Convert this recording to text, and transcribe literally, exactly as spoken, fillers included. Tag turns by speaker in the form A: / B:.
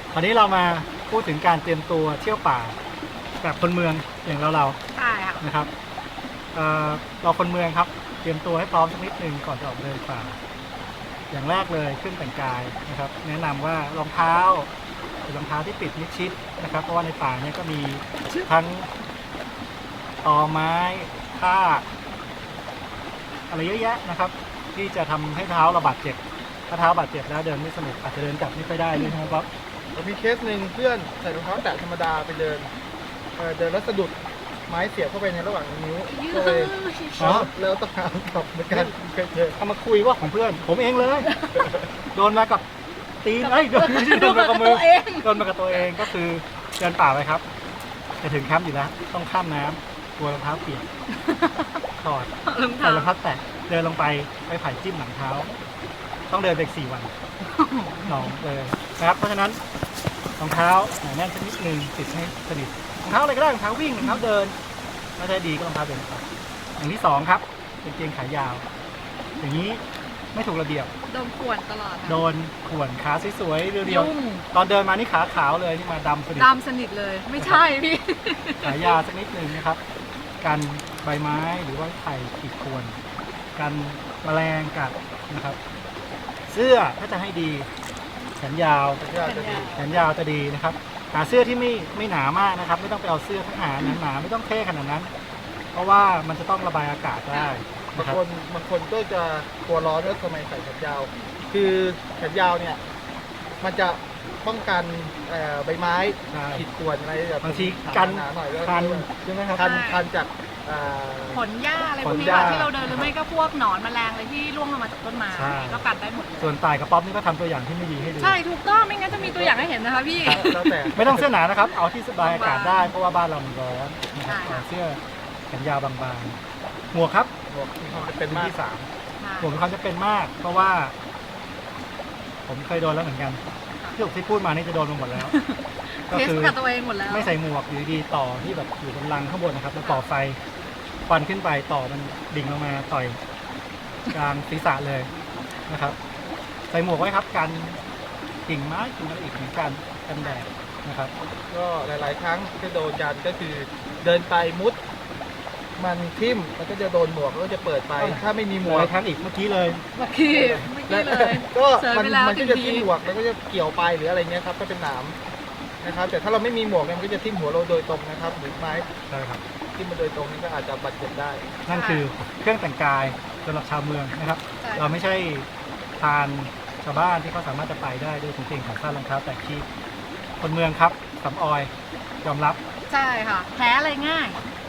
A: คราวนี้เรามาพูดถึงการเตรียมตัวเที่ยวป่าแบบคนเมืองอย่างเราเรา
B: ใช่ค่ะ
A: นะครับเอ่อเราคนเมืองครับเตรียมตัวให้พร้อมสักนิดหนึ่งก่อนจะออกเดินป่า อย่างแรกเลยเครื่องแต่งกายนะครับ แนะนำว่ารองเท้าเป็นรองเท้าที่ปิดมิดชิดนะครับ เพราะว่าในป่าเนี่ยก็มีทั้งตอไม้ทากอะไรเยอะแยะนะครับ ที่จะทำให้เท้าเราบาดเจ็บถ้าเท้าบาดเจ็บแล้วเดินไม่สนุกอาจจะเดินกลับไม่ค่อยได้ด้วยนะครับ
C: ผมมีเคสหนึ่งเพื่อนใส่รองเท้าแตะธรรมดาไปเดินเอ่อเดินแล้วสะดุดไม้เสียบเข้าไปในระหว่างนิ้วก็เลย
A: อ๋อ
C: แล้วต้องหาตอบเหมือนกันเคยเจอ
A: เอามาคุยว่าของเพื่อน ผมเองเลย โดนมากับตีนเอ้ยโดนโดนมากับมือ
B: ตัวเอง
A: โดนมากับตัวเองก็คือเดินป่าไปครับจะถึงแคมป์อยู่แล้วต้องข้ามน้ำกลัวรองเท้าเปียกถอด
B: รอง
A: ใส่
B: เท้าร
A: องเท้าแตะเดินลงไปไปไผ่จิ้มหลังเท้า ต้องเดินไปอีกสี่วันหนองเลยนะครับ เพราะฉะนั้นรองเท้าหนาแน่นสักนิดนึงติดให้สนิทรองเท้าอะไรก็ได้รองเท้าวิ่งรองเท้าเดินไม่ได้ดีก็รองเท้าเดินไปอย่างที่สองครับเป็นเกงขายาว อย่างนี้ไม่ถูกระเบียบ
B: โดนข่วนตลอดค่ะ
A: โดนข่วนขาสวยๆเรียว
B: ยุ่ง
A: ๆตอนเดินมานี่ขาขาวเลยนี่มาดำสนิท
B: ดำสนิทเลย ไม่ใช่พี่
A: ขายาวสักนิดนึงนะครับกันใบไม้หรือว่าไผ่ขีดข่วนกันแมลงกัดนะครับ เสื้อถ้าจะให้ดีแขนยาว
C: สัญญาจะดี
A: แขนยาวจะดีนะครับหาเสื้อที่ไม่ไม่หนามากนะครับ ไม่ต้องไปเอาเสื้อทหารหนาๆไม่ต้องเท่ขนาดนั้น เพราะว่ามันจะต้องระบายอากาศได้
C: บาง
A: นะครับ
C: คนบางคนก็จะกลัวร้อนแล้วทำไมใส่แขนยาว คือแขนยาวเนี่ยมันจะป้องกันเอ่อใบไม้
A: ใช่
C: ขีดข่วนอะไรแบบ
A: บางทีกัน
C: หนาๆหน่อยแล้ว
A: คันใช่ไหมครับ
C: คัน
B: ใช่
C: คันจากอ่า
B: ขนหญ้าอะไรพวกนี้
A: ขนหญ้า
B: ค่ะที่เราเดินหรือไม่ก็พวกหนอนแมลงอะไรที่ร่วงลงมาจากต้นไม้
A: ใช่
B: ก็กัดได้หมดเลย
A: ส่วนต่ายกับป๊อปนี่ก็ทำตัวอย่างที่ไม่ดีให้ดู
B: ใช่ถูกต้องไม่งั้นจะมีตัวอย่างให้เห็นนะคะพี่
C: แล้วแต่
A: ไม่ต้องเสื้อหนานะครับ เอาที่สบายอากาศได้เพราะว่าบ้านเรามันร้อนนะครับ
B: ใช่ค่ะ
A: เอาเสื้อแขนยาวบางๆหมวกครับ
C: หมวกมีความจำเป็น
A: เป็น
C: มาก
A: ที่สาม
B: ใช่
A: หมวกมีความจำเป็นมาก เพราะว่า ผมเคยโดนแล้วเหมือนกันที่ที่พูดมานี่จะโดนมาหมดแล้ว ก็
B: เทส
A: คือ
B: กับตัวเองหมดแล้ว
A: ไม่ใส่หมวกอยู่ดีๆต่อที่แบบอยู่บนรังข้างบนนะครับแล้วต่อไฟควันขึ้นไปต่อมันดิ่งลงมาต่อยกลางศีรษะเลยนะครับ ใส่หมวกไว้ครับกันกิ่งไม้กิ่งอะไรอีกเหมือนกันกันแดดนะครับ
C: ก็หลาย ๆ ครั้งที่โดนกันก็คือเดินไปมุด มันทิ่มมันก็จะโดนหมวกแล้วก็จะเปิดไป ถ้าไม่มีหม
A: หม
C: ว
A: ว
C: ก
A: กครั้งอีกเมื่อกี้เลย
B: เมื่อกี้เมื่อกี้เลย
C: ก็
B: เสย
C: มัน
B: ไปแล้ว
C: มันก็จะ
B: ที
C: ทิ่มหมวกแล้วก็จะเกี่ยวไปหรืออะไรเงี้ยครับก็เป็นหนามนะครับ แต่ถ้าเราไม่มีหมวกเนี่ยมันก็จะทิ่มหัวเราโดยตรงนะครับหรือไม้
A: ใช่ครับ
C: ทิ่มมาโดยตรงนี่ก็อาจจะบาดเจ็บได้
A: นั่นคือเครื่องแต่งกายสำหรับชาวเมืองนะครับ
B: ใช่
A: เราไม่ใช่ทานชาวบ้านที่เขาสามารถจะไปได้ด้วยกางเกงขาสั้นรองเท้าแตะขี้คนเมืองครับสำออยยอมรับ
B: ใช่ค่ะแพ้อะไรง่าย
A: แ